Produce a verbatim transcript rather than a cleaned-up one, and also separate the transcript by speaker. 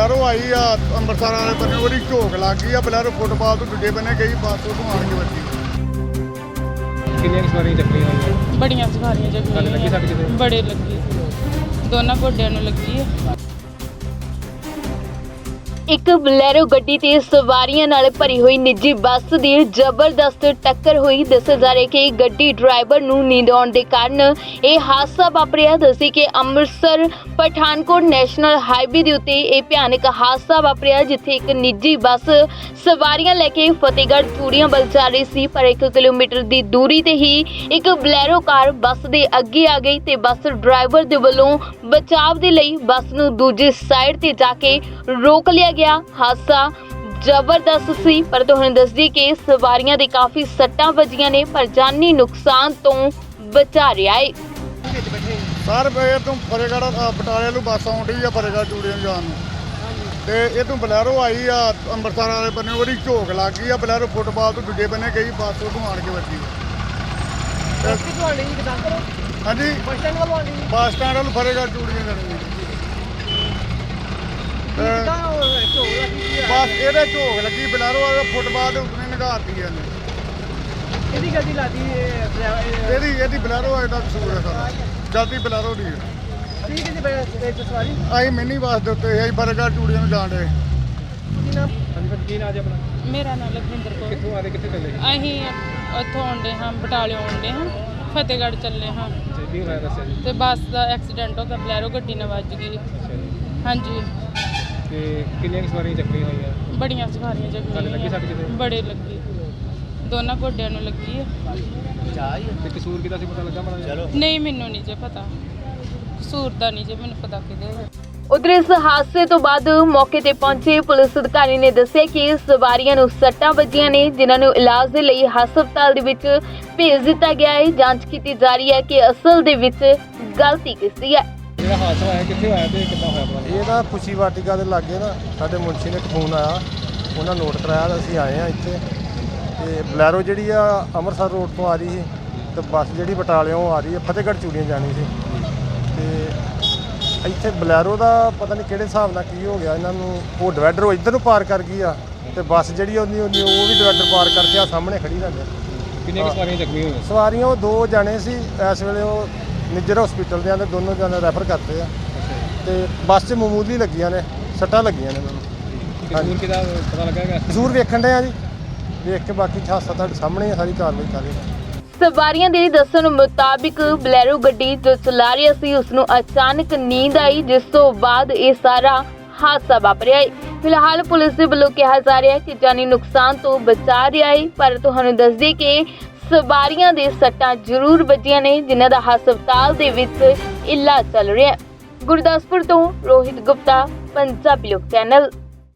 Speaker 1: Bolero ਆਈ ਆ ਅੰਮ੍ਰਿਤਸਰ ਵਾਲੇ ਬੰਨੇ, ਉਹਦੀ ਝੋਕ ਲੱਗ ਗਈ ਆ। ਬਲੈਰੋ ਫੁੱਟਬਾਲ ਤੋਂ ਦੂਜੇ ਬੰਨੇ ਗਈ, ਬੱਸ ਉਦੋਂ ਆਣ ਕੇ ਵੱਜੀ।
Speaker 2: ਕਿੰਨੀਆਂ ਸਵਾਰੀਆਂ ਚੱਕੀਆਂ ਹੋਈਆਂ?
Speaker 3: ਬੜੀਆਂ ਸਵਾਰੀਆਂ
Speaker 2: ਲੱਗੀ
Speaker 3: ਜਗੀਆਂ
Speaker 2: ਸੱਟ ਕਿਤੇ?
Speaker 3: ਬੜੇ ਲੱਗੀ ਦੋਨਾਂ ਗੋਡਿਆਂ ਨੂੰ ਲੱਗੀ ਹੈ।
Speaker 4: ਇੱਕ ਬਲੈਰੋ ਗੱਡੀ ਤੇ ਸਵਾਰੀਆਂ ਨਾਲ ਭਰੀ ਹੋਈ ਨਿੱਜੀ ਬੱਸ ਦੀ ਜ਼ਬਰਦਸਤ ਟੱਕਰ ਹੋਈ। ਦੱਸਿਆ ਜਾ ਰਿਹਾ ਕਿ ਗੱਡੀ ਡਰਾਈਵਰ ਨੂੰ ਨੀਂਦ ਆਉਣ ਦੇ ਕਾਰਨ ਇਹ ਹਾਦਸਾ ਵਾਪਰਿਆ। ਦੱਸੀ ਕਿ ਅੰਮ੍ਰਿਤਸਰ ਪਠਾਨਕੋਟ ਨੈਸ਼ਨਲ ਹਾਈਵੇ ਦੇ ਉੱਤੇ ਇਹ ਭਿਆਨਕ ਹਾਦਸਾ ਵਾਪਰਿਆ, ਜਿੱਥੇ ਇੱਕ ਨਿੱਜੀ ਬੱਸ ਸਵਾਰੀਆਂ ਲੈ ਕੇ ਫਤਿਹਗੜ੍ਹ ਚੂੜੀਆਂ ਵੱਲ ਜਾ ਰਹੀ ਸੀ, ਪਰ ਇੱਕ ਕਿਲੋਮੀਟਰ ਦੀ ਦੂਰੀ ਤੇ ਹੀ ਇੱਕ ਬਲੈਰੋ ਕਾਰ ਬੱਸ ਦੇ ਅੱਗੇ ਆ ਗਈ ਤੇ ਬੱਸ ਡਰਾਈਵਰ ਦੇ ਵੱਲੋਂ ਬਚਾਵ ਦੇ ਲਈ ਬੱਸ ਨੂੰ ਦੂਜੀ ਸਾਈਡ ਤੇ ਜਾ ਕੇ ਰੋਕ ਲਿਆ ਗਿਆ। ਹਾਦਸਾ ਜ਼ਬਰਦਸਤ ਸੀ, ਪਰ ਤੁਹਾਨੂੰ ਦੱਸ ਦਈਏ ਕਿ ਸਵਾਰੀਆਂ ਦੇ ਕਾਫੀ ਸੱਟਾਂ ਵੱਜੀਆਂ ਨੇ, ਪਰ ਜਾਨੀ ਨੁਕਸਾਨ ਤੋਂ ਬਚਾ ਰਿਹਾ ਹੈ।
Speaker 1: ਸਰ ਇਹ ਤੋਂ ਫਤਿਹਗੜ੍ਹ ਅ, ਬਟਾਲੇ ਨੂੰ ਬੱਸ ਆਉਣ ਡਈ ਆ ਫਤਿਹਗੜ੍ਹ ਚੂੜੀਆਂ ਨੂੰ ਜਾਣ ਨੂੰ, ਤੇ ਇਹ ਤੋਂ ਬਲੈਰੋ ਆਈ ਆ ਅੰਮ੍ਰਿਤਸਰ ਵਾਲੇ ਬੰਨੇ, ਉਹਦੀ ਝੋਕ ਲੱਗ ਗਈ ਆ। ਬਲੈਰੋ ਫੁੱਟਬਾਲ ਤੋਂ ਦੂਜੇ ਬੰਨੇ ਗਈ, ਬੱਸ ਉਦੋਂ ਆਣ ਕੇ ਵੱਜੀ। ਹਾਂਜੀ, ਬੱਸ ਸਟੈਂਡ ਵੱਲ ਫਤਿਹਗੜ੍ਹ ਚੂੜੀਆਂ ਜਾਣੀ। ਬਸ ਇਹਦੇ ਝੋਕ ਲੱਗੀ, ਬਲੈਰੋ ਵਾਲਾ ਫੁੱਟਬਾਲ ਦੇ ਉੱਤੇ ਨਿਗਾਰਤੀ ਇਹਨੇ।
Speaker 2: ਇਹਦੀ ਗੱਡੀ ਲਾਦੀ
Speaker 1: ਇਹਦੀ ਇਹਦੀ ਬਲੈਰੋ ਵਾਲੇ ਦਾ ਕਸੂਰ ਹੈ ਸਾਰਾ, ਜਲਦੀ ਬਲੈਰੋ ਦੀ ਹੈ।
Speaker 2: ਠੀਕ ਹੈ ਜੀ ਵਿੱਚ ਸਵਾਰੀ
Speaker 1: ਅਸੀਂ ਮਿੰਨੀ ਬੱਸ ਦੇ ਉੱਤੇ ਅਸੀਂ ਫਤਿਹਗੜ੍ਹ ਚੂੜੀਆਂ ਨੂੰ ਜਾਣ ਡਏ।
Speaker 2: ਕੀ ਨਾਮ? ਹਾਂਜੀ ਫਿਰ ਕੀ ਨਾਮ ਜੀ ਆਪਣਾ?
Speaker 3: ਮੇਰਾ ਨਾਮ ਲਖਵਿੰਦਰ ਕੌਰ।
Speaker 2: ਕਿੱਥੋਂ ਆ ਰਹੇ, ਕਿੱਥੇ ਚੱਲੇ?
Speaker 3: ਅਸੀਂ ਉੱਥੋਂ ਆਉਂਦੇ ਹਾਂ, ਬਟਾਲੇ ਆਉਂਦੇ ਹਾਂ, ਫਤਿਹਗੜ੍ਹ ਚੱਲੇ ਹਾਂ
Speaker 2: ਅੱਛਾ, ਕੀ ਹੋਇਆ ਦੱਸਿਆ ਜੀ?
Speaker 3: ਤੇ ਬੱਸ ਦਾ ਐਕਸੀਡੈਂਟ ਹੋ ਗਿਆ, ਬਲੈਰੋ ਗੱਡੀ ਨਾਲ ਵੱਜ ਗਈ।
Speaker 2: ਅੱਛਾ ਜੀ,
Speaker 3: ਹਾਂਜੀ
Speaker 2: ਤੇ ਕਿੰਨੀਆਂ ਸਵਾਰੀਆਂ ਚੱਕੀਆਂ ਹੋਈਆਂ?
Speaker 3: ਬੜੀਆਂ ਸਵਾਰੀਆਂ
Speaker 2: ਲੱਗੀ
Speaker 3: ਜਗੀਆਂ
Speaker 2: ਸੱਟ ਕਿਤੇ?
Speaker 3: ਬੜੇ ਲੱਗੀ ਦੋਨਾਂ ਗੋਡਿਆਂ ਨੂੰ ਲੱਗੀ ਹੈ।
Speaker 2: ਤੇ ਕਸੂਰ ਕਿਹਦਾ ਸੀ ਪਤਾ ਲੱਗਾ ਮਾੜਾ?
Speaker 3: ਨਹੀਂ, ਮੈਨੂੰ ਨਹੀਂ ਜੇ ਪਤਾ, ਕਸੂਰ ਦਾ ਨਹੀਂ ਜੇ ਮੈਨੂੰ ਪਤਾ ਕਿਹਦੇ।
Speaker 4: ਉਧਰ ਇਸ ਹਾਦਸੇ ਤੋਂ ਬਾਅਦ ਮੌਕੇ ਤੇ ਪਹੁੰਚੇ ਪੁਲਿਸ ਅਧਿਕਾਰੀ ਨੇ ਦੱਸਿਆ ਕਿ ਸਵਾਰੀਆਂ ਨੂੰ ਸੱਟਾਂ ਵੱਜੀਆਂ ਨੇ, ਜਿਨ੍ਹਾਂ ਨੂੰ ਇਲਾਜ ਦੇ ਲਈ ਹਸਪਤਾਲ ਦੇ ਵਿੱਚ ਭੇਜ ਦਿੱਤਾ ਗਿਆ ਹੈ। ਜਾਂਚ ਕੀਤੀ ਜਾ ਰਹੀ ਹੈ ਕਿ ਅਸਲ ਦੇ ਵਿੱਚ ਗਲਤੀ ਕਿਸਦੀ ਹੈ।
Speaker 2: ਜਿਹੜਾ ਹਾਦਸਾ ਹੋਇਆ ਕਿੱਥੇ ਹੋਇਆ ਤੇ ਕਿੱਦਾਂ ਹੋਇਆ ਪਤਾ?
Speaker 5: ਇਹ ਨਾ ਖੁਸ਼ੀ ਵਾਟਿਕਾ ਦੇ ਲਾਗੇ ਨਾ ਸਾਡੇ ਮੁਨਸ਼ੀ ਨੇ ਇੱਕ ਫੋਨ ਆਇਆ, ਉਹਨਾਂ ਨੋਟ ਕਰਾਇਆ ਤਾਂ ਅਸੀਂ ਆਏ ਆ ਇੱਥੇ। ਤੇ ਬਲੈਰੋ ਜਿਹੜੀ ਆ ਅੰਮ੍ਰਿਤਸਰ ਰੋਡ ਤੋਂ ਆ ਰਹੀ ਸੀ ਤੇ ਬੱਸ ਜਿਹੜੀ ਬਟਾਲਿਓਂ ਆ ਰਹੀ ਹੈ ਫਤਿਹਗੜ੍ਹ ਚੂੜੀਆਂ ਜਾਣੀ ਸੀ। ਤੇ ਇੱਥੇ ਬਲੈਰੋ ਦਾ ਪਤਾ ਨਹੀਂ ਕਿਹੜੇ ਹਿਸਾਬ ਨਾਲ ਕੀ ਹੋ ਗਿਆ ਇਹਨਾਂ ਨੂੰ, ਉਹ ਡਿਵਾਈਡਰ ਉਹ ਇੱਧਰ ਨੂੰ ਪਾਰ ਕਰ ਗਈ ਆ ਤੇ ਬੱਸ ਜਿਹੜੀ ਉਹਦੀ ਉਹਦੀ ਉਹ ਵੀ ਡਿਵਾਈਡਰ ਪਾਰ ਕਰਕੇ ਆ ਸਾਹਮਣੇ ਖੜੀ ਲੱਗੇ।
Speaker 2: ਕਿੰਨੀਆਂ ਸਵਾਰੀਆਂ ਚੱਕੀਆਂ ਹੋਈਆਂ?
Speaker 5: ਸਵਾਰੀਆਂ ਉਹ ਦੋ ਜਾਣੇ ਸੀ, ਇਸ ਵੇਲੇ ਉਹ ਨਿੱਜਰ ਹਸਪੀਟਲ ਦੇ ਆਂਦੇ, ਦੋਨੋਂ ਜਾਣੇ ਰੈਫਰ ਕਰਤੇ ਆ ਤੇ ਬੱਸ 'ਚ ਮਾਮੂਲੀ ਲੱਗੀਆਂ ਨੇ, ਸੱਟਾਂ ਲੱਗੀਆਂ ਨੇ ਮੈਨੂੰ।
Speaker 2: ਕਸੂਰ ਕਿਹਦਾ ਪਤਾ ਲੱਗਾ?
Speaker 5: ਜ਼ਰੂਰ ਵੇਖਣ ਡਏ ਆ ਜੀ, ਵੇਖ ਕੇ ਬਾਕੀ ਹਾਦਸਾ ਤੁਹਾਡੇ ਸਾਹਮਣੇ ਸਾਰੀ ਕਾਰਵਾਈ ਕਰ ਰਹੇ ਹਾਂ।
Speaker 4: ਸਵਾਰੀਆਂ ਦੇ ਦੱਸਣ ਮੁਤਾਬਿਕ ਬਲੈਰੋ ਗੱਡੀ ਜੋ ਚਲਾ ਰਹੀ ਸੀ ਉਸ ਨੂੰ ਅਚਾਨਕ ਨੀਂਦ ਆਈ, ਜਿਸ ਤੋਂ ਬਾਅਦ ਇਹ ਸਾਰਾ ਹਾਦਸਾ ਵਾਪਰਿਆ ਹੈ। ਫਿਲਹਾਲ ਪੁਲਿਸ ਦੇ ਵੱਲੋਂ ਕਿਹਾ ਜਾ ਰਿਹਾ ਹੈ ਕਿ ਜਾਨੀ ਨੁਕਸਾਨ ਤੋਂ ਬਚਾ ਰਿਹਾ ਹੈ, ਪਰ ਤੁਹਾਨੂੰ ਦੱਸ ਦਈਏ ਕਿ ਸਵਾਰੀਆਂ ਦੇ ਸੱਟਾਂ ਜ਼ਰੂਰ ਵੱਜੀਆਂ ਨੇ, ਜਿਨ੍ਹਾਂ ਦਾ ਹਸਪਤਾਲ ਦੇ ਵਿੱਚ ਇਲਾਜ ਚੱਲ ਰਿਹਾ ਹੈ। ਗੁਰਦਾਸਪੁਰ ਤੋਂ ਰੋਹਿਤ ਗੁਪਤਾ, ਪੰਜਾਬੀ ਲੋਕ ਚੈਨਲ।